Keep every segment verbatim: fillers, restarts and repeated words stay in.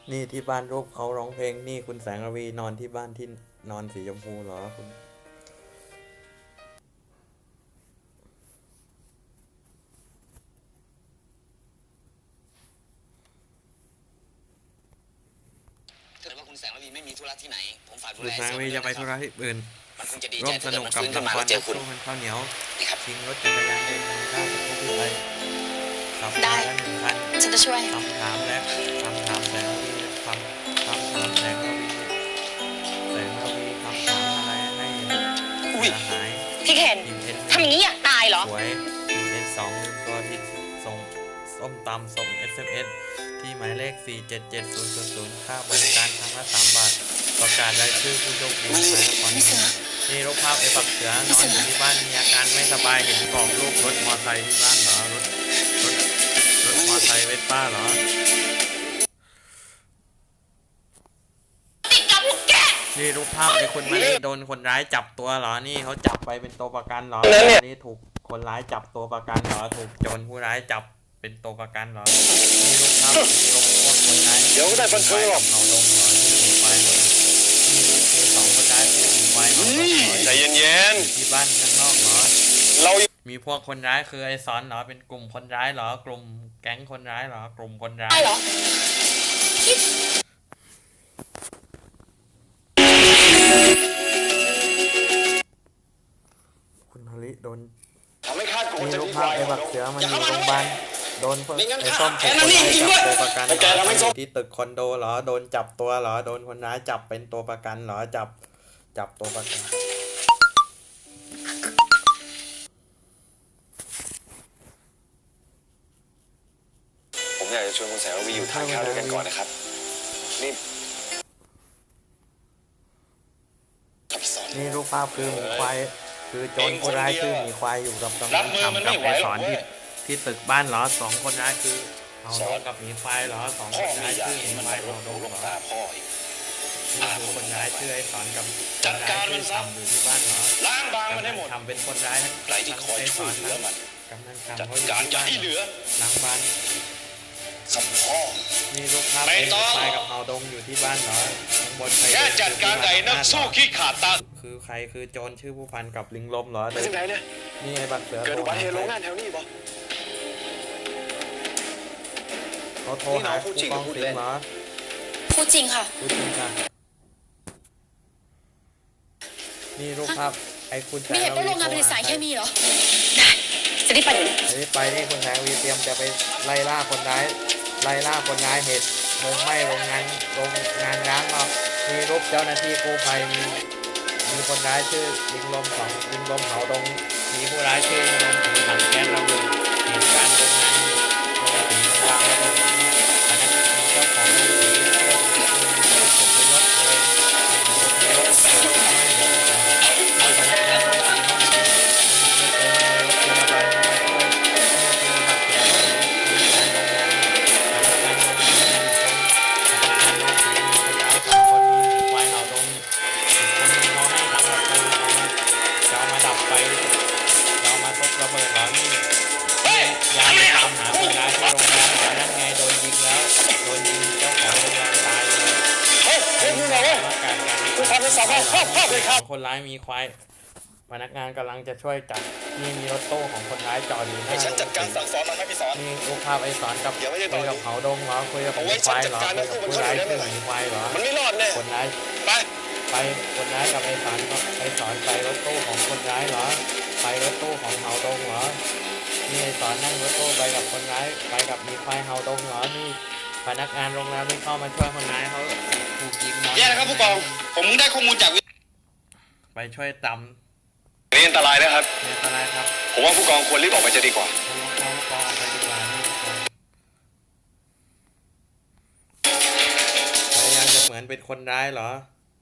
นี่ที่บ้านรูปเขาร้องเพลงนี่คุณแสงระวีนอนที่บ้านที่นอนสีชมพูเหรอคุณถ้าเกิดว่าคุณแสงระวีไม่มีธุระที่ไหนผมฝากดูคุณแลแสงระวีจะไปธุระที่อื่นมันคงจะดีร่ใจวมสถ้าเกินุดกมันกับฟื้นขึ้ละนมาคแล้รวเจนัอก คุณสู้มันข้าวเหนียวนี่ครับชิงรถจักรยานยนต์ของข้าวผู้พิไลขับได้มาแล้วหนึ่งคันฉันจะช่วยคำถามและคำถามแสงระวีคำคำถามแสงระวีแสงระวีคำถามอะไรให้เสียหายพี่เคนทีมเอสทำอย่างนี้อยากตายเหรอสวยทีมเอสสองลืมตัวที่ส่งส้มตำส่ง เอส เอ็ม เอส ที่หมายเลข สี่ เจ็ด เจ็ด ศูนย์ ศูนย์ ศูนย์ ค่าบริการครั้งละสามบาทประกาศรายชื่อผู้โชคดีในละครนี้นี่รูปภาพไอ้ปักเสือนอนอยู่ที่บ้านมีอาการไม่สบายเห็นบอกลูกรถมอเตอร์ไซค์ที่บ้านเหรอรถรถรถมอเตอร์ไซค์เวสป้าเหรอติดกับพวกแกนี่รูปภาพไอ้คนมานี่โดนคนร้ายจับตัวเหรอนี่เขาจับไปเป็นตัวประกันเหรอนี่ถูกคนร้ายจับตัวประกันเหรอถูกโจรผู้ร้ายจับเป็นตัวประกันเหรอนี่รูปภาพมีลงพวกคนร้ายเดี๋ยวก็ได้บันทึกหรอกเขาลงเหรอที่หนีไฟนี่คือสองคนร้ายที่หนีไฟเหรอใจเย็นที่บ้านข้างนอกเหรอๆเรามีพวกคนร้ายคือไอ้สอนเหรอเป็นกลุ่มคนร้ายเหรอกลุ่มแก๊งคนร้ายเหรอกลุ่มคนร้ายได้เหรอคุณฮาริโดนทำให้คาดโกงมีจะรูปมีภาพไอ้บักเสือมันอยู่โรงพยาบาลโดนไอ้ส้มถูกคนร้ายจับตัวประกันเหรออยู่ที่ตึกคอนโดเหรอโดนจับตัวเหรอโดนคนร้ายจับเป็นตัวประกันเหรอจับจับตัวประกันผมอยากจะชวนคุณแสงระวีอยู่ทานข้าวด้วยกันก่อนนะครับนี่กับสอนนี่รูปภาพคือหมีควายคือโจรผู้ร้ายคือหมีควายอยู่กับกำลังทำกับไอ้สอนที่ที่ตึกบ้านเหรอสองคนร้ายคือเอาโดนกับหมีควายเหรอสองพ่คอน ไม่ร้ายอยากคือหเห็มีนมันควาไปยรเอาบโดหูนลบเหรอตาพ่ออีกนี่คือคนร้ายชื่อไอ้สอนกับคนร้ายชื่อทำอยู่ที่บ้านเหรอล้างบางมันให้หมดทำเป็นคนร้ายทั้งใครที่คอยช่วยเหลือมันกำลังจัดทำเขาอยู่การที่อย่าบ้านให้เหลือหลังบ้านกับพ่อนี่รูปภาพไม่ไอ้ต้องควายกับเฮาดงอยู่ที่บ้านเหรอข้างบนใครแค่จัดการไอ้นักสู้ขี้ขาดตาคือใครคือโจรชื่อผู้พันกับลิงลมเหรอไปที่ไหนเนี่ยนี่ไอ้บักเสือเกิดอุบัติเหตุโรงงานแถวนี้บ่เขาโทรหาผู้กองสิงห์เหรอพูดจริงค่ะพูดจริงค่ะนี่รูปภาพไอ้คุณแสไม่งเห็นระว่าวีโรงงานผลิตสารโทเครหมีเหรอ ได้ จะได้ไปเดี๋ยวนี้ไอ้ไปนี่คุณแสงระวีเตรียมจะไปไล่ล่าคนร้ายไล่ล่าคนร้ายเหตุเพลิงไหม้โรงงานโรงงานร้างมามีรูปเจ้าหน้าที่กู้ภัยมีมีคนร้ายชื่อลิงลมสองลิงลมเผาดงมีผู้ร้ายชื่อลิงลมถือถังแก๊สระเบิดเหตุการณ์โรงงานโรงสีวางระเบิดพนักงานเจ้าของโรงสีเจ้าของโรงสีผลประโยชน์เลยผลประโยชน์เกิดไม่เดี๋ยวจะพนักงานโรงสีห้องนี้ไม่เจอในรถพยาบาลเข้ามาช่วยเมื่อเจอบัตรเจ็บก็เลยมีการโรงงานพนักงานโรงงานมีคนพนักงานโรงสีมีคนร้ายสองคนมีควายเห่าดงอีกคนนึงเขาให้ถังดับเพลิงเอามาจะเอามาดับไฟจะเอามาซบระเบิดเหรอนี่ยามไปตามหาคนร้ายที่โรงงานหานั่นไงโดนยิงแล้วโดนยิงเจ้าของโรงงานตายเลยเฮ้ยเฮ้ยมึงเหรอวะประกาศการคุณทำเป็นสอบภาพภาพภาพเลยครับคนร้ายมีควายพนักงานกำลังจะช่วยจับนี่มีรถตู้ของคนร้ายจอดอยู่หให้น้าฉันจัดการสั่งสอนมันให้พี่สอนนี่รูปภาพไอ้สอนกับเดี๋ยวไม่ได้คุยต่กัอบเขาดงเหรอคุยกับหเอามีไว้ควายฉันจัเหรดอการคุยกับให้ผู้มันร้ายเข้าชื่อได้หไหมมีควายเหรอมันไม่รอดแน่คนร้ายไปไปคนร้ายกับไอ้สอนกับไอ้สอนไปรถตู้ของคนร้ายเหรอไปรถตู้ของเฮาดงเหรอนี่ไอ้สอนนั่งรถตู้ไปกับคนร้ายไปกับหมีควายเฮาดงเหรอนี่พนักงานโรงแรมที่เข้ามาช่วยคนร้ายเขาถูกยิงนอนแย่นะครับผู้กอง ผมได้ข้อมูลจากวิไปช่วยตำนี่อันตรายนะครับเนี่ยอะไรครับผมว่าผู้กองควรรีบออกไปจะดีกว่าเขาลงเขากองออกไปดีกว่านี่ทุกคนพยายามจะเหมือนเป็นคนร้ายเหรอ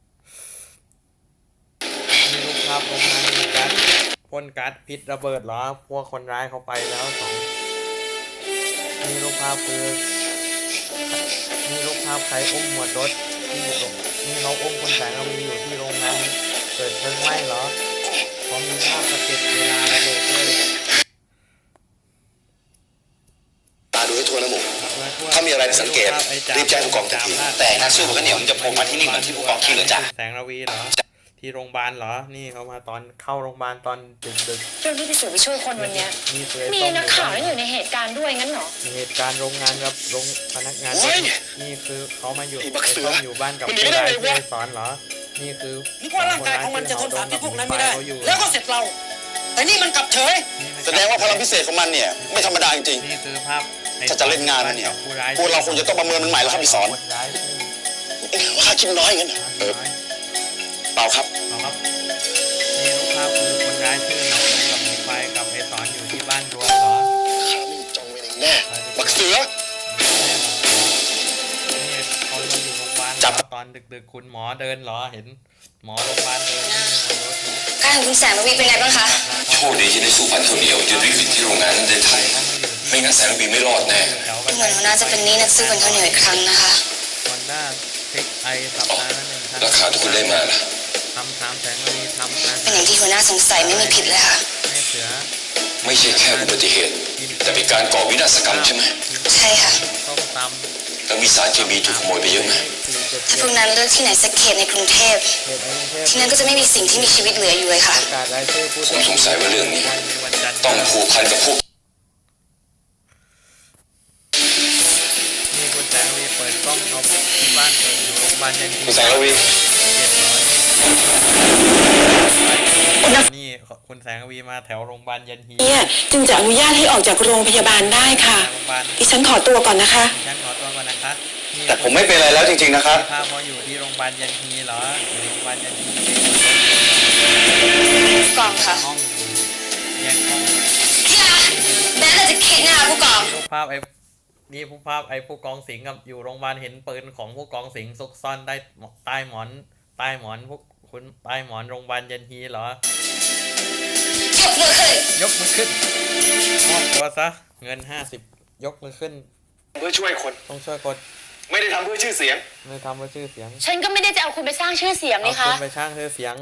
มีรูปภาพโรงงานมีการพ่นก๊าซพิษระเบิดเหรอพวกคนร้ายเขาไปแล้วสองมีรูปภาพคือมีรูปภาพใครอุ้มหมวดรถที่อยู่ตรงนี่เขาอุ้มคนแสงระวีอยู่ที่โรงงานเกิดเพลิงไหม้เหรอพร้อมมีภาพสะเก็ดเวลาระเบิดด้วยตาดูให้ทั่วนะหมูภาพถ้ามีอะไรสังเกตรีบแจ้งผู้กองทันทีแต่นักสู้ข้าวเหนียวมันจะโผล่มาที่นี่เหมือนที่ผู้กองคิดเหรอจ๊ะแสงระวีเหรอที่โรงพยาบาลเหรอนี่เขามาตอนเข้าโรงพยาบาลตอนดึกดึกเรื่องที่พี่เสือไปช่วยคนวันเนี้ยนี่คือมีนักข่าวนั่นอยู่ในเหตุการณ์ด้วยงั้นเหรอเหตุการณ์โรงงานกับโรงพนักงานโอ้ยนี่คือเขามาอยู่ไอ้บักเสือไอ้ต้มอยู่บ้านกับมันหนีผู้ไม่ได้ร้ายเลยวะที่สอนเหรอนี่คือนึกว่าร่างกายของมันจะทนสารพิษพวกนั้นไม่ได้เขาอยู่แล้วก็เสร็จเรา แต่นี่มันกลับเฉยแสดงว่าพลังพิเศษของมันเนี่ยไม่ธรรมดาจริงนี่คือภาพไอ้ถ้าจะเล่นงานมันเนี่ยผู้ร้ายพวกเราคงจะต้องประเมินมันใหม่แล้วครับพี่สอนคนร้ายชื่อๆว่าข้าคิดน้อยงั้นเหรอเออน้อยเปล่าครับเอาครับนี่รูปภาพคือคนร้ายชื่อหนองกับหมีไฟกับไอ้สอนอยู่ที่บ้านรวมเหรอข้าไม่มีจองเวรเองแน่บักเสือนี่เขามาอยู่โรงพยาบาลจับตอนดึกๆคุณหมอเดินเหรอเห็นหมอโรงพยาบาลเดินนี่บนรถนะการของคุณแสงระวีเป็นไงบ้างคะโชคดีที่ได้สู้พันข้าวเหนียวจนวิกฤตที่โรงงานนั้นได้ทันไม่งั้นแสงระวีไม่รอดแน่แถวเหมือนหัวหน้าจะเป็นหนี้นักสู้กันข้าวเหนียวอีกครั้งนะคะฮอนด้าเทคไอสัปดาห์ละหนึ่งครั้งราคาที่คุณได้มาล่ะทำสามแสงระวีทำอาเป็นหารอย่างที่หัวหน้าสงสัยไม่มีผิดเลยค่ะให้เสือไม่ใช่แค่อุบัติเหตุ แต่เป็นการก่อวินาศกรรมใช่ไหมใช่ค่ะต้มตำแล้วมีสารเคมีถูกขโมยไปเยอะไหมถ้าพวกนั้นเลือกที่ไหนสักเขตในกรุงเทพเขตในกรุงเทพที่นั่นก็จะไม่มีสิ่งที่มีชีวิตเหลืออยู่เลยค่ะประกาศรายชื่อผู้ผมสงสัยว่าเรื่องนี้วันจันทร์ต้องผูกพันกับพวกนี่คุณแสงระวีเปิดกล้องเอาที่บ้านเปิดอยู่โรงพยาบาลยันทีคุณแสงระวีเจ็ดร้อยนี่คุณแสงระวีมาแถวโรงพยาบาลยันทีเนี่ยจึงจะอนุญาตให้ออกจากโรงพยาบาลได้ค่ะโรงพยาบาลดิฉันขอตัวก่อนนะคะดิฉันขอตัวก่อนนะคะนี่แต่ผมไม่เป็นไรแล้วจริงๆนะครับภาพเขาอยู่ที่โรงพยาบาลยันทีเหรออยู่โรงพยาบาลยันทีกองค่ะห้องอยู่แยกห้องที่รักแบนเราจะเข็นนะคะผู้กองนี่รูปภาพไอ้นี่ผู้ภาพไอ้ผู้กองสิงห์กับอยู่โรงพยาบาลเห็นปืนของผู้กองสิงห์ซุกซ่อนได้ใต้หมอนใต้หมอนพวกคุณใต้หมอนโรงพยาบาลยันทีเหรอยกมือขึ้นยกมือขึ้นมอบตัวซะเงินห้าสิบยกมือขึ้นเพื่อช่วยคนต้องช่วยกดไม่ได้ทำเพื่อชื่อเสียงไม่ทำเพื่อชื่อเสียงฉันก็ไม่ได้จะเอาคุณไปสร้างชื่อเสียงเอานี่คุคะณไปช่างชื่อเสียง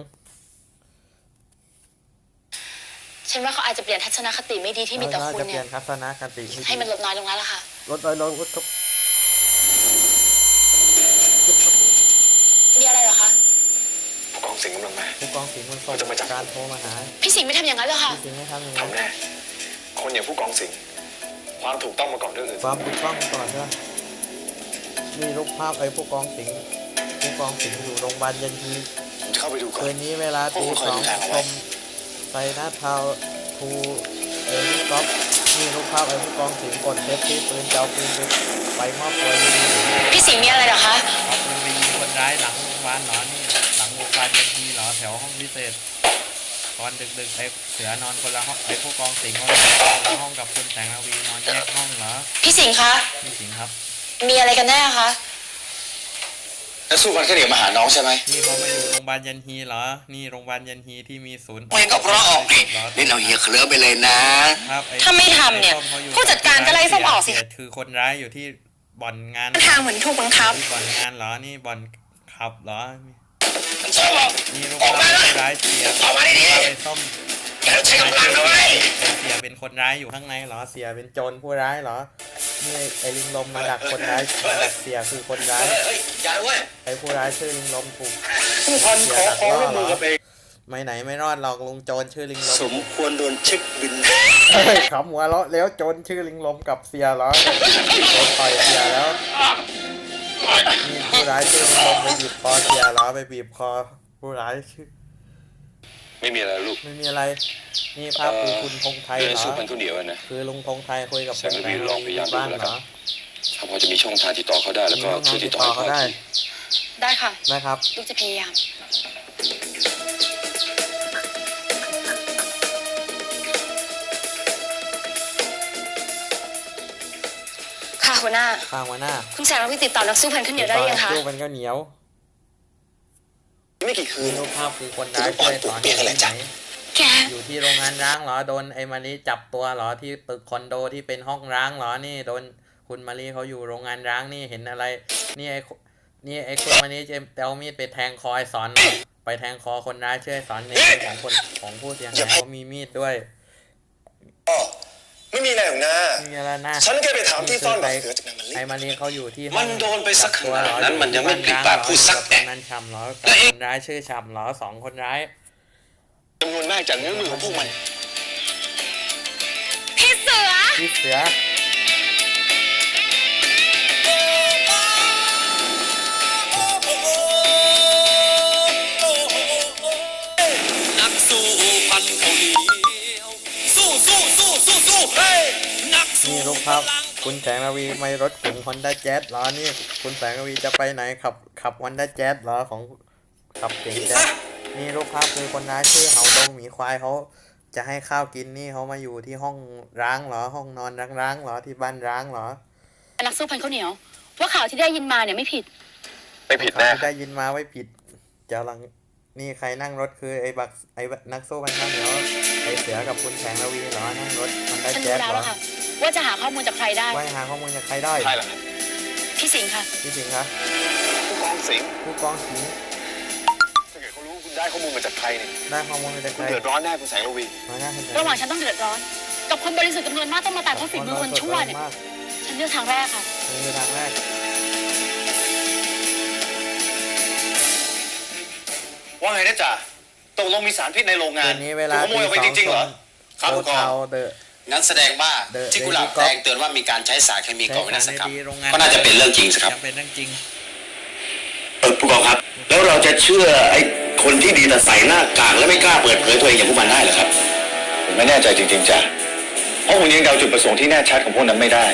ฉันว่าเขาอาจจะเปลี่ยนทัศนคติไม่ดีที่มีต่อเราคุณจะเปลี่เนี่ย ยนทัศนคติให้มันลดน้อยลงแล้วล่ะค่ะลดน้อยลงลดทุกมีอะไรเหรอคะผู้กองสิงห์กำลังมาผู้กองสิงห์มันส่งเขาจะมาจับการโทรมาหาพี่สิงห์ไม่ทำอย่างนั้นหรอกค่ะพี่สิงห์ไม่ทำอย่างนั้นทำแน่คนอย่างผู้กองสิงห์ความถูกต้องมาก่อนเรื่องอื่นความถูกต้องก่อนด้วยนี่รูปภาพไอ้ผู้กองสิงห์ผู้กองสิงห์อยู่โรงพยาบาลยันทีผมจะเข้าไปดูก่อคืนนนี้เวลาตีพวกคุณสองคอยดูทางเอาชไว้มไซนัททาวทูเออรี่ก๊อฟนี่รูปภาพไอ้ผู้กองสิงห์กดเซฟที่ปืนเจ้าปืนไปไปมอบตัวอยู่พี่สิงห์มีอะไรเหรอคะเอาปืนไปยิงคนร้ายหลังโรงพยาบาลเหรอนี่หลังโรงพยาบาลยันทีเหรอแถวห้องพิเศษตอนดึกๆไอ้เสือนอนคนละห้องไอ้ผู้กองสิงห์ก็นอนคนละห้องกับคุณแสงระวีนอนแยกห้องเหรอพี่สิงห์คะพี่สิงห์ครับมีอะไรกันแน่คะแล้วสู้กันแค่เดี๋ยวมาหาน้องใช่ไหมนี่เขามาอยู่โรงพยาบาลยันฮีเหรอ นี่โรงพยาบาลยันฮีที่มีศูนย์ไม่ก็เพราะออกดิเล่นเอาเฮียเคลิ้มไปเลยนะครับไอ้ถ้าไม่ทำเนี่ยไอ้ส้มขาอยู่ผู้จัดการก็ไล่ส้มออกสิเสียคือคนร้ายอยู่ที่บ่อนงานทางเหมือนถูกบังคับที่บ่อนงานเหรอ นี่บ่อนขับเหรอมันชอบออกนี่รูปภาพคนร้ายเสียออกมาดิภาพไอ้ส้มแกใช้กำลังนะเว้ยไอ้เสียเป็นคนร้ายอยู่ข้างในเหรอ เสียเป็นโจรผู้ร้ายเหรอ นี่ไอ้ไอ้ลิงลมมาดักคนร้ายมาดักเสียคือคนร้ายเฮ้ยอย่าเว้ยไอ้ผู้ร้ายชื่อลิงลมถูกผู้พันขอขอร่วมมือกับเองไม่ไหนไม่รอดหรอกลุงโจรชื่อลิงลมสมควรโดนเช็คบินเฮ้ยขำหัวเราะแล้วโจรชื่อลิงลมกับเสียเหรอโดนต่อยเสียแล้วนี่ผู้ร้ายชื่อลิงลมไปบีบคอเสียเหรอไปบีบคอผู้ร้ายชื่อไม่มีอะไรลูกไม่มีอะไรนี่ภาพคือคุณธงไทยเรื่องเหรอสู้พันข้าวเหนียวอะนะคือลุงธงไทยคุยกับแสงระวีลองพยายามดูบ้านแล้วเหกัรนอถ้าพอจะมีช่องทางติดต่อเขาได้แล้วก็มีช่วยติติดดต่ต่ออให้เขาพ่อได้ทีได้ค่ะนะครับลูกจะพยายาม ค่ะหัวหน้าข้างมาหน้าคุณแสงระวีติดต่อนักสู้พันข้าวเหนียวได้หรือยังคะตู้มันก็เหนียวไม่กี่คืมีนรูปภาพคือคนร้ายช่วยสอนอยู่ที่ไหนแกอยู่ที่โรงงานร้างเหรอโดนไอ้มารีจับตัวเหรอที่ตึกคอนโดที่เป็นห้องร้างเหรอนี่โดนคุณมารีเขาอยู่โรงงานร้างนี่เห็นอะไร นี่ไอ้นี่ไอ้คุณมารีจะเอามีดไปแทงคอไอ้สอนเหรอไปแทงคอคนร้ายช่วยสอนในมือของคนของผู้เสียหายเขามีมีดด้วยไม่มีมีอะไรหรอกนะนี่แล้วนะฉันแค่ไปถามที่ซ่อนบักเขือจากนางมะลิไอ้มารีเขาอยู่ที่มันโดนไปสักขนาดนั้นมันยังไม่ปริปากพูดสักแอะนั้นชำเหรอกับคนร้ายชื่อชำเหรอสองคนร้ายจำนวนมากจากเนื้อมือของพวกมันพี่เสือพี่เสือนักสู้พันเขาเหนียวสู้สู้สู้สู้สู้เฮ้ยนักสู้นี่ลูกครับคุณแสงระวีไม่รถเก๋งฮอนด้าแจ๊สเหรอนี่คุณแสงระวีจะไปไหนขับขับฮอนด้าแจ๊สเหรอของขับเก๋งแจ๊สนี่ลูกครับคือคนร้ายชื่อเหาดงหมีควายเขาจะให้ข้าวกินนี่เขามาอยู่ที่ห้องร้างเหรอห้องนอนร้างๆเหรอที่บ้านร้างเหรอนักสู้พันข้าวเหนียวว่าข่าวที่ได้ยินมาเนี่ยไม่ผิดไม่ผิดแน่ที่ได้ยินมาไว้ผิดเจ้าหลังนี่ใครนั่งรถคือไอ้บักไอ้นักสู้พันข้าวเหนียวไอ้เสือกับคุณแสงระวีเหรอนั่งรถฮอนด้าฉันแจ๊รู้สแล้วเหรอล่ะค่ะ ว่าจะหาข้อมูลจากใครได้ไว้หาข้อมูลจากใครได้ใช่เหรอครับพี่สิงห์ค่ะพี่สิงห์คะผู้กองสิงห์ผู้กองสิงห์ถ้าเกิดเขารู้ว่าคุณได้ข้อมูลมาจากใครเนี่ยได้ข้อมูลมาจากคุใคณรเดือดร้อนแน่คุณแสงระวีมาหน้าคุณแสงระหว่างฉันต้องเดือดร้อน กับคนบริสุทธิ์จำนวนมากต้องมาตายเพราะฝีมือคนชั่วเนี่ยมากฉันเลือกทางแรกค่ะนี่คือทางแรกว่าไงนะจ๊ะตกลงมีสารพิษในโรงงาคืนนนี้เวลาขโมยออกไปจริงๆเหรอ ครับโอผู้กองเทาเดอะงั้นแสดงว่าเดอะที่กุหลาบเดอะแดงเตือนว่ามีการใช้สารเคมีก่อวินาศกรรมใช้สารในโรงงานก็น่าจะเป็นเรื่องจริงสิครับจะเป็นเรื่องจริงเออผู้กองครับ แล้วเราจะเชื่อไอ้คนที่ดีแต่ใส่หน้ากากและไม่กล้าเปิดเผยตัวเองอย่างพวกมันได้เหรอครับผมไม่แน่ใจจริงๆจ้ะเพราะผมยังเดาจุดประสงค์ที่แน่ชัดของพวกนั้นไม่ได้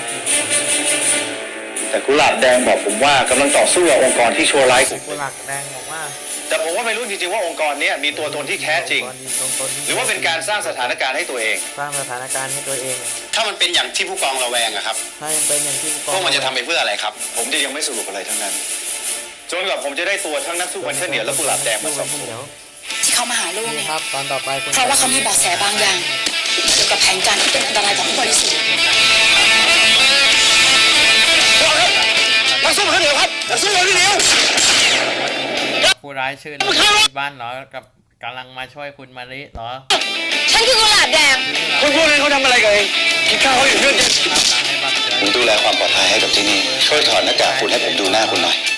แต่กุหลาบแดงบอกผมว่ากำลังต่อสู้กับองค์กรที่ชั่วร้ายกลุ่มกุหลาบแดงบอกว่าแต่ผมว่าไม่รู้จริงๆว่าองค์กรเนี้ยมีตัวตนที่แท้จริง หรือว่าเป็นการสร้างสถานการณ์ให้ตัวเองสร้างสถานการณ์ให้ตัวเองถ้ามันเป็นอย่างที่ผู้กองระแวงอะครับถ้ายังเป็นอย่างที่ผู้กพองวกมันจะทำไปเพื่ออะไรครับผมจะยังไม่สรุปอะไรทั้งนั้น จนกว่าผมจะได้ตัวทั้งนักสู้วันเทอร์เหนียวและกุหลาบแดงมาสอบสวนที่เขามาหาลูกนี่เนี่ยครับตอนต่อไปคุณเพราะว่าเขามีเบาะแสบางอย่างเกี่ยวกับแผนการที่เป็นอันตรายต่อผู้บริสุทธิ์นักสู้พันข้าวเหนียวครับนักสู้พันข้าวเหนียวผู้ร้ายชื่อที่บ้านเหรอกับกำลังมาช่วยคุณมาริเหรอฉันคือกุหลาบแดงคนพวกนั้นเขาทำอะไรกันเองกินข้าวเขาอยู่เพื่อนครับหลังไอ้บักเสือผมดูแลความปลอดภัยให้กับที่นี่ ช่วยถอดหน้ากากคุณให้ผมดูหน้าคุณหน่อย